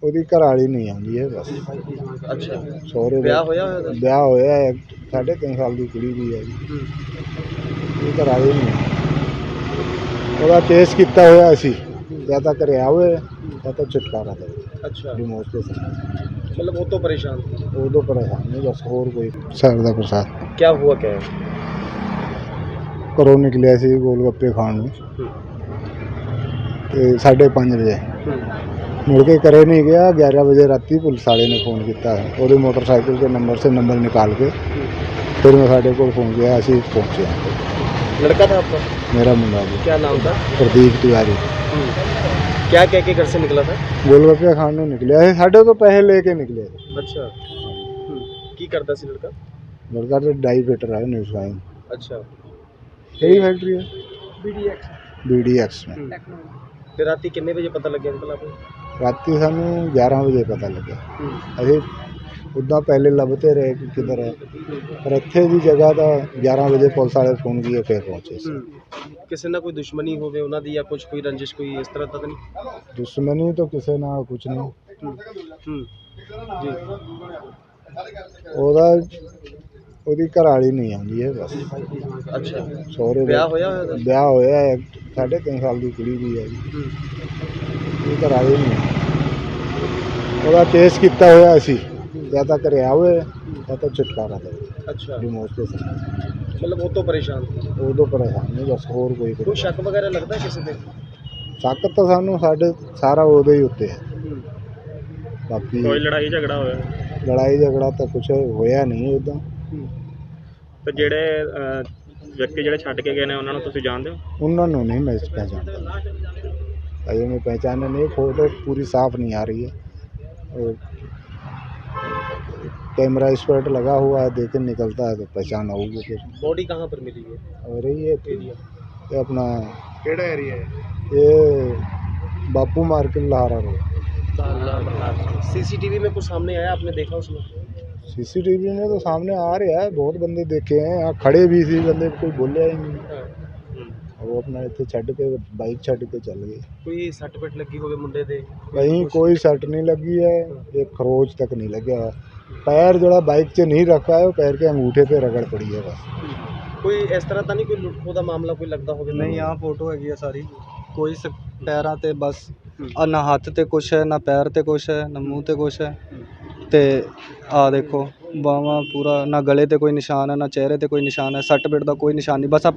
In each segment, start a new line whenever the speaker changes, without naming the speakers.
ਉਹਦੀ ਘਰਵਾਲੀ ਨਹੀਂ ਆਉਂਦੀ ਹੈ ਬਸ।
ਅੱਛਾ,
ਸਹੁਰੇ
ਵਿਆਹ ਹੋਇਆ ਹੋਇਆ ਉਹਦਾ?
ਵਿਆਹ ਹੋਇਆ ਹੈ, 3.5 ਸਾਲ ਦੀ ਕੁੜੀ ਵੀ ਹੈ ਜੀ। ਉਹਦੀ ਘਰਵਾਲੀ ਨਹੀਂ ਆਉਂਦੀ। ਉਹਦਾ ਕੇਸ ਕੀਤਾ ਹੋਇਆ ਸੀ, ਜਾਂ ਤਾਂ ਘਰੇ ਆਵੇ ਜਾਂ ਤਾਂ ਛੁਟਕਾਰਾ ਦੇਵੇ।
ਅੱਛਾ,
ਡਿਮੋਸ ਦੇ ਸਾथ
मतलब वो तो परेशान थी।
ਉਦੋਂ ਪਰੇਸ਼ਾਨ ਨਹੀਂ ਬਸ, ਹੋਰ ਕੋਈ ਸਰ ਦਾ ਪ੍ਰਸਾਦ।
क्या हुआ क्या है?
ਘਰੋਂ ਨਿਕਲਿਆ ਸੀ ਗੋਲ ਗੱਪੇ ਖਾਣ ਨੂੰ ਤੇ 5:30 ਵਜੇ, मुड़ के करे नहीं गया। 11 बजे राती पुलिस वाले ने फ़ोन किया, वो मोटरसाइकिल के नंबर से नंबर निकाल के फिर मैं साढ़े को फ़ोन किया, असी पहुँचे।
लड़का था आपका?
मेरा मुंडा जी।
क्या नाम था?
प्रदीप तिवारी।
क्या कह के घर से निकला था?
गोलगप्पे खाने निकले, साढ़े तो पैसे लेके निकले।
अच्छा, की करता सी लड़का?
लड़का तो डाई फिटर है न्यूज़ वाइन।
अच्छा,
यही फैक्ट्री है BDX में।
फिर राती कितने बजे पता लग गया अंकल आपको?
राती सानू 11 बजे पता लगे। अभी उदा पहले लभते रहे कि किधर है, पर इत्थे दी जगह तो 11 बजे पुलिस वाले फोन किए फिर पहुंचे।
किसी ना कोई दुश्मनी होवे उन्हां दी या कुछ कोई रंजिश कोई इस तरह तक नहीं?
दुश्मनी तो किसी ना कुछ नहीं।
जी,
ਉਹਦਾ ਉਹਦੀ ਘਰਵਾਲੀ ਨਹੀਂ ਆਉਂਦੀ ਹੈ ਬਸ।
अच्छा,
ਸਹੁਰੇ
ਵਿਆਹ ਹੋਇਆ ਹੋਇਆ ਉਹਦਾ?
ਵਿਆਹ ਹੋਇਆ ਹੈ, 3.5 ਸਾਲ ਦੀ ਕੁੜੀ ਵੀ ਹੈ ਜੀ। ਉਹਦੀ ਘਰਵਾਲੀ ਨਹੀਂ ਆਉਂਦੀ। ਉਹਦਾ ਕੇਸ ਕੀਤਾ ਹੋਇਆ ਸੀ, ਜਾਂ ਤਾਂ ਘਰੇ ਆਵੇ ਜਾਂ ਤਾਂ ਛੁਟਕਾਰਾ ਦੇਵੇ।
अच्छा,
ਡਿਮੋਸ ਦੇ ਸਾथ
मतलब वो तो परेशान थी।
ਉਦੋਂ ਪਰੇਸ਼ਾਨ ਨਹੀਂ ਬਸ, ਹੋਰ ਕੋਈ
कोई शक वगैरह लगता है किसी पे?
ਸ਼ੱਕ ਤਾਂ ਸਾਨੂੰ ਸਾਡੇ ਸਾਰਾ ਉਹਦੇ ਹੀ ਉੱਤੇ ਹੈ। ਬਾਕੀ
कोई लड़ाई झगड़ा होया?
ਲੜਾਈ ਝਗੜਾ ਤਾਂ ਕੁਛ ਹੋਇਆ ਨਹੀਂ ਉੱਦਾਂ।
ਤੇ ਜਿਹੜੇ ਵਿਅਕਤੀ ਜਿਹੜੇ ਛੱਡ ਕੇ ਗਏ ਨੇ ਉਹਨਾਂ ਨੂੰ ਤੁਸੀਂ ਜਾਣਦੇ ਹੋ?
ਉਹਨਾਂ ਨੂੰ नहीं मैं पहचानता, अजय मैं पहचाना नहीं। फोटो पूरी साफ नहीं आ रही है, और कैमरा स्पॉट लगा हुआ है, देखे निकलता है तो पहचान होगी फिर।
बॉडी कहाँ पर मिली है?
और ये
एरिया
ये अपना
केड़ा एरिया है?
ये Bapu market Lahara road.
CCTV में कुछ सामने आया, आपने देखा उसमें?
CCTV में तो सामने आ रहा है, बहुत बंदे देखे हैं, यहाँ खड़े भी थे बंदे, कोई बोलिया ही नहीं। वो अपना इतने छड़ के बाइक छड़ के चल गए।
कोई सट पिट लगी होवे मुंडे दे?
कहीं कोई सट नहीं लगी है, एक खरोच तक नहीं लगा। पैर जोड़ा बाइक से नहीं रखा है, पैर के अंगूठे पे रगड़ पड़ी है बस।
कोई इस तरह तो नहीं कोई लुटखो का मामला कोई लगता होवे?
नहीं, यहाँ फोटो हैगी है सारी, कोई पैरां ते बस ना हत्थ ते कुछ है, ना पैर ते कुछ है, ना मूँह ते कुछ है। ते आ देखो बावां पूरा, ना गले ते कोई निशान है, ना चेहरे ते कोई निशान है, सट पिट दा कोई निशान नहीं। बस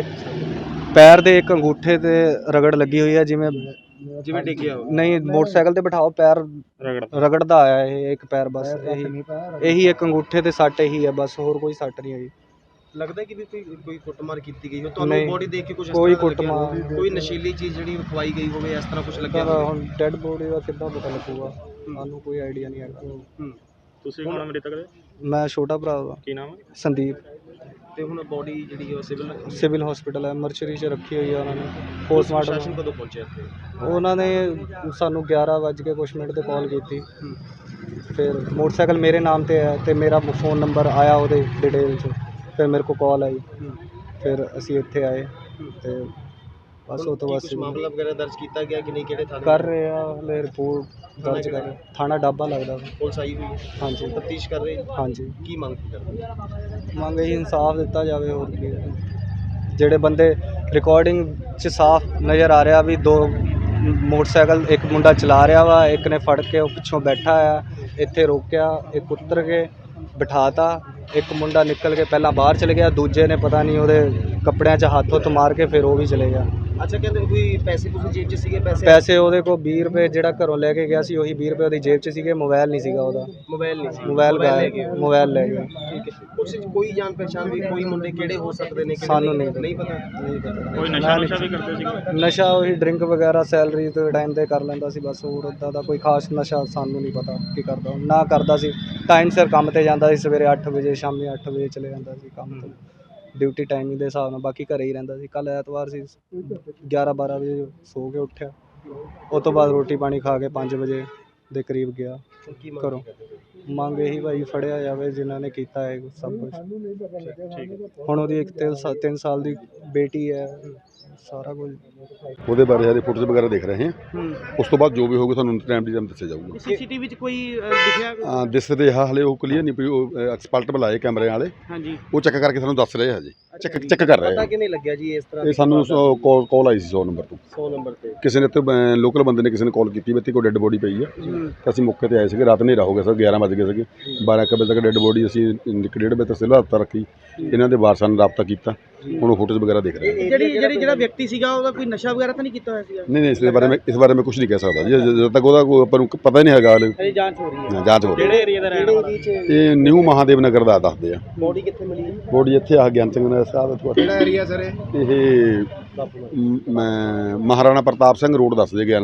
आ पैर दे एक अंगूठे ते रगड़ लगी हुई है, जिवें
जिवें डिग्गिया हो।
नहीं मोटरसाइकिल ते बिठाओ पैर रगड़दा आया है एक पैर, बस यही एक अंगूठे ते सट यही है बस, होर कोई सट नहीं है।
लगता है कि भी कोई कुटमार की गई हो? तो
नहीं,
बॉडी देख के कुछ
कोई कुटमार,
कोई नशीली चीज़ ਜਿਹੜੀ ਖਵਾਈ ਗਈ ਹੋਵੇ ਇਸ ਤਰ੍ਹਾਂ ਕੁਝ ਲੱਗਿਆ
ਹੁਣ ਡੈਡ ਬੋਡੀ ਦਾ ਕਿੱਦਾਂ ਪਤਾ ਲੱਗੂਗਾ, ਸਾਨੂੰ ਕੋਈ ਆਈਡੀਆ ਨਹੀਂ ਹੈਗਾ।
ਤੁਸੀਂ ਕੌਣ ਮ੍ਰਿਤਕ ਦੇ?
ਮੈਂ ਛੋਟਾ ਭਰਾ ਦਾ।
ਕੀ ਨਾਮ ਹੈ?
ਸੰਦੀਪ।
ਤੇ ਹੁਣ ਬੋਡੀ ਜਿਹੜੀ ਉਹ
ਸਿਵਲ ਹਸਪੀਟਲ ਹੈ, ਮਰਚਰੀ 'ਚ ਰੱਖੀ ਹੋਈ ਹੈ ਉਹਨਾਂ ਨੇ।
ਪ੍ਰਸ਼ਾਸਨ
ਪੋਸਟਮਾਰਟਮ
ਕਦੋਂ ਪਹੁੰਚਿਆ ਇੱਥੇ?
ਉਹਨਾਂ ਨੇ ਸਾਨੂੰ 11 ਵੱਜ ਕੇ ਕੁਛ ਮਿੰਟ 'ਤੇ ਕਾਲ ਕੀਤੀ। ਫਿਰ ਮੋਟਰਸਾਈਕਲ ਮੇਰੇ ਨਾਮ 'ਤੇ ਹੈ ਤੇ ਮੇਰਾ ਫ਼ੋਨ ਨੰਬਰ ਆਇਆ ਉਹਦੇ ਡਿਟੇਲ 'ਚ, ਫਿਰ ਮੇਰੇ ਕੋਲ ਕਾਲ ਆਈ, ਫਿਰ ਅਸੀਂ ਇੱਥੇ ਆਏ ਤੇ ਬਸ ਉਹ ਤੋਂ ਬਾਅਦ
ਮਾਮਲਾ ਵਗੈਰਾ ਦਰਜ ਕੀਤਾ ਗਿਆ ਕਿ ਨਹੀਂ? ਕਿਹੜੇ ਥਾਣੇ
ਕਰ ਰਹੇ ਆ ਹਲੇ, ਰਿਪੋਰਟ ਦਰਜ ਕਰ ਰਹੇ। ਥਾਣਾ ਡਾਬਾ ਲੱਗਦਾ।
ਪੁਲਿਸ ਆਈ ਹੋਈ ਹੈ?
ਹਾਂਜੀ
ਤਫਤੀਸ਼ ਕਰ ਰਹੀ?
ਹਾਂਜੀ।
ਕੀ ਮੰਗ ਕਰਦੇ?
ਮੰਗ ਇਹੀ ਇਨਸਾਫ ਦਿੱਤਾ ਜਾਵੇ, ਹੋਰ ਕੀ। ਜਿਹੜੇ ਬੰਦੇ ਰਿਕਾਰਡਿੰਗ 'ਚ ਸਾਫ਼ ਨਜ਼ਰ ਆ ਰਿਹਾ ਵੀ ਦੋ ਮੋਟਰਸਾਈਕਲ ਇੱਕ ਮੁੰਡਾ ਚਲਾ ਰਿਹਾ ਵਾ, ਇੱਕ ਨੇ ਫੜ ਕੇ ਉਹ ਪਿੱਛੋਂ ਬੈਠਾ ਆ, ਇੱਥੇ ਰੋਕਿਆ, ਇੱਕ ਉਤਰ ਕੇ ਬਿਠਾਤਾ, ਇੱਕ ਮੁੰਡਾ ਨਿਕਲ ਕੇ ਪਹਿਲਾਂ ਬਾਹਰ ਚਲੇ ਗਿਆ, ਦੂਜੇ ਨੇ ਪਤਾ ਨਹੀਂ ਉਹਦੇ ਕੱਪੜਿਆਂ 'ਚ ਹੱਥ ਹੁੱਥ ਮਾਰ ਕੇ ਫਿਰ ਉਹ ਵੀ ਚਲੇ ਗਿਆ।
ਅੱਛਾ, ਕਹਿੰਦੇ ਕੋਈ ਪੈਸੇ ਪੂਸੇ ਜੇਬ 'ਚ ਸੀਗੇ?
ਪੈਸੇ ਉਹਦੇ ਕੋਲ 20 ਰੁਪਏ ਜਿਹੜਾ ਘਰੋਂ ਲੈ ਕੇ ਗਿਆ ਸੀ, ਉਹੀ 20 ਰੁਪਏ ਉਹਦੀ ਜੇਬ 'ਚ ਸੀਗੇ। ਮੋਬਾਈਲ ਨਹੀਂ ਸੀਗਾ ਉਹਦਾ।
ਮੋਬਾਈਲ ਨਹੀਂ ਸੀ?
ਮੋਬਾਈਲ ਮੋਬਾਈਲ ਲੈ ਗਏ।
ਠੀਕ ਹੈ। ਕੁਛ ਕੋਈ ਜਾਣ ਪਛਾਣ ਵੀ ਕੋਈ ਮੁੰਡੇ ਕਿਹੜੇ ਹੋ ਸਕਦੇ ਨੇ?
ਸਾਨੂੰ ਨਹੀਂ
ਪਤਾ।
ਨਹੀਂ ਪਤਾ।
ਕੋਈ ਨਸ਼ਾ ਵੀ ਕਰਦੇ ਸੀਗੇ?
ਨਸ਼ਾ ਉਹੀ ਡਰਿੰਕ ਵਗੈਰਾ ਸੈਲਰੀ ਦੇ ਟਾਈਮ 'ਤੇ ਕਰ ਲੈਂਦਾ ਸੀ ਬਸ, ਹੋਰ ਉੱਦਾਂ ਦਾ ਕੋਈ ਖਾਸ ਨਸ਼ਾ ਸਾਨੂੰ ਨਹੀਂ ਪਤਾ ਕੀ ਕਰਦਾ। ਨਾ ਕਰਦਾ ਸੀ, ਟਾਈਮ ਸਿਰ ਕੰਮ 'ਤੇ ਜਾਂਦਾ ਸੀ, ਸਵੇਰੇ 8 ਵਜੇ ਸ਼ਾਮੀ 8 ਵਜੇ ਚਲੇ ਜਾਂਦਾ ਸੀ ਕੰਮ 'ਤੇ, ਡਿਊਟੀ ਟਾਈਮਿੰਗ ਦੇ ਹਿਸਾਬ ਨਾਲ। ਬਾਕੀ ਘਰੇ ਹੀ ਰਹਿੰਦਾ ਸੀ। ਕੱਲ੍ਹ ਐਤਵਾਰ ਸੀ, 11-12 ਵਜੇ ਸੋ ਕੇ ਉੱਠਿਆ, ਉਸ ਤੋਂ ਬਾਅਦ ਰੋਟੀ ਪਾਣੀ ਖਾ ਕੇ 5 ਵਜੇ ਦੇ ਕਰੀਬ ਗਿਆ ਘਰੋਂ। ਮੰਗ ਇਹੀ ਭਾਈ ਫੜਿਆ ਜਾਵੇ ਜਿਨ੍ਹਾਂ ਨੇ ਕੀਤਾ ਹੈ ਸਭ ਕੁਝ। ਹੁਣ ਉਹਦੀ ਇੱਕ 3 ਸਾਲ ਦੀ ਬੇਟੀ ਹੈ, ਸਾਰਾ ਕੁਝ।
ਉਹਦੇ ਬਾਰੇ ਹਜੇ ਫੋਟੋਜ਼ ਵਗੈਰਾ ਦੇਖ ਰਹੇ ਹਾਂ। ਉਸ ਤੋਂ ਬਾਅਦ ਜੋ ਵੀ ਹੋਊਗਾ ਤੁਹਾਨੂੰ ਟਾਈਮ ਦੀ ਟਾਈਮ ਦੱਸਿਆ ਜਾਊਗਾ।
ਸੀਸੀਟੀਵੀ ਵਿੱਚ ਕੋਈ ਦਿਖਿਆ?
ਦਿਸ ਤੇ ਹਾਲੇ ਉਹ ਕਲੀਅਰ ਨਹੀਂ ਪਈ, ਉਹ ਐਕਸਪਰਟ ਬੁਲਾਏ ਕੈਮਰੇ ਵਾਲੇ,
ਹਾਂਜੀ,
ਉਹ ਚੈੱਕ ਕਰਕੇ ਸਾਨੂੰ ਦੱਸ ਰਹੇ ਹਜੇ, ਚੈੱਕ ਕਰ ਰਹੇ
ਪਤਾ
ਆ।
ਕਿਵੇਂ ਲੱਗਿਆ ਜੀ ਇਸ ਤਰ੍ਹਾਂ?
ਇਹ ਸਾਨੂੰ ਕਾਲ ਆਈ ਸੀ 100 ਨੰਬਰ ਤੋਂ।
100 ਨੰਬਰ ਤੇ
ਕਿਸੇ ਨੇ ਇੱਥੇ ਲੋਕਲ ਬੰਦੇ ਨੇ ਕਿਸੇ ਨੇ ਕਾਲ ਕੀਤੀ ਵੀ ਇੱਥੇ ਕੋਈ ਡੈੱਡ ਬੋਡੀ ਪਈ ਆ। ਤਾਂ ਅਸੀਂ ਮੌਕੇ ਤੇ ਆਏ ਸੀਗੇ, ਰਾਤ ਹਨੇਰਾ ਹੋ ਗਿਆ ਸਰ, 11 ਵਜ ਗਏ ਸੀਗੇ। 12 ਕੁ ਵਜੇ ਤੱਕ ਡੈੱਡ ਬੋਡੀ ਅਸੀਂ 1-1.5 ਵਜੇ ਤੱਕ ਸਿਵਲ ਹਸਪਤਾਲ ਰੱਖੀ। ਇਹਨਾਂ ਦੇ ਵਾਰਸਾਂ ਨਾਲ ਰਾਬਤਾ ਕੀਤਾ, ਹੁਣ ਉਹ ਫੋਟੋਜ਼ ਵਗੈਰਾ ਦੇਖ ਰਹੇ ਆ।
ਜਿਹੜਾ ਵਿਅਕਤੀ ਸੀਗਾ ਉਹਦਾ ਕੋਈ ਨਸ਼ਾ ਵਗੈਰਾ ਤਾਂ ਨਹੀਂ ਕੀਤਾ ਹੋਇਆ ਸੀਗਾ?
ਨਹੀਂ ਇਸ ਬਾਰੇ ਮੈਂ ਕੁਝ ਨਹੀਂ ਕਹਿ ਸਕਦਾ ਜੀ, ਜਦੋਂ ਤੱਕ ਉਹਦਾ ਕੋਈ ਆਪਾਂ ਨੂੰ ਪਤਾ ਹੀ ਨਹੀਂ ਹੈਗਾ।
ਅਜੇ ਜਾਂਚ ਹੋ ਰਹੀ ਹੈ।
ਜਾਂਚ ਹੋ ਰਹੀ
ਕਿਹੜੇ ਏਰੀਆ ਦਾ ਰਹਿਣ ਵਾਲਾ?
ਇਹ ਨਿਊ ਮਹਾਦੇਵ ਨਗਰ ਦਾ ਦੱਸਦੇ ਆ।
ਬੋਡੀ ਕਿੱਥੇ ਮਿਲੀ ਹੈ?
ਬੋਡੀ ਇੱਥੇ ਆ ਗਿਆਨ ਸਿੰਘ ਨਗਰ ਸਾਹਿਬ।
ਕਿਹੜਾ ਏਰੀਆ ਸਰ
ਇਹ ਮਹਾਰਾਣਾ ਪ੍ਰਤਾਪ ਸਿੰਘ ਰੋਡ ਦੱਸਦੇ, ਗਿਆਨ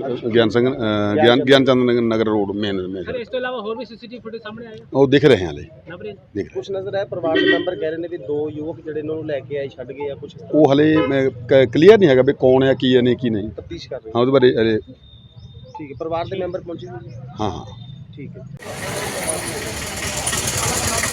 ਚੰਦ ਨਗਰ ਰੋਡ ਮੇਨ।
ਇਸ ਤੋਂ ਇਲਾਵਾ ਹੋਰ ਵੀ ਸੀਸੀਟੀਵੀ ਫੁਟੇਜ ਸਾਹਮਣੇ ਆਏ?
ਉਹ ਦਿਖ ਰਹੇ ਹਾਲੇ, ਦੇਖ ਰਹੇ।
ਕੁਝ ਨਜ਼ਰ ਆਇਆ? ਪਰਿਵਾਰ ਦੇ ਮੈਂਬਰ ਕਹਿ ਰਹੇ ਨੇ ਵੀ 2 ਯੁਵਕ ਜਿਹੜੇ ਇਹਨਾਂ ਨੂੰ ਲੈ ਕੇ ਆਏ, ਛੱਡ ਗਏ ਆ ਕੁਝ।
ਉਹ ਹਲੇ ਕਲੀਅਰ ਨਹੀਂ ਹੈਗਾ ਵੀ ਕੌਣ ਹੈ, ਕੀ ਹੈ, ਨਹੀਂ ਕੀ ਨਹੀਂ।
ਤਫਤੀਸ਼ ਕਰ ਰਹੇ
ਹਾਂ ਉਹਦੇ ਬਾਰੇ ਹਲੇ।
ਠੀਕ ਹੈ, ਪਰਿਵਾਰ ਦੇ ਮੈਂਬਰ ਪਹੁੰਚੇ ਹੋਏ?
ਹਾਂ
ਠੀਕ ਹੈ।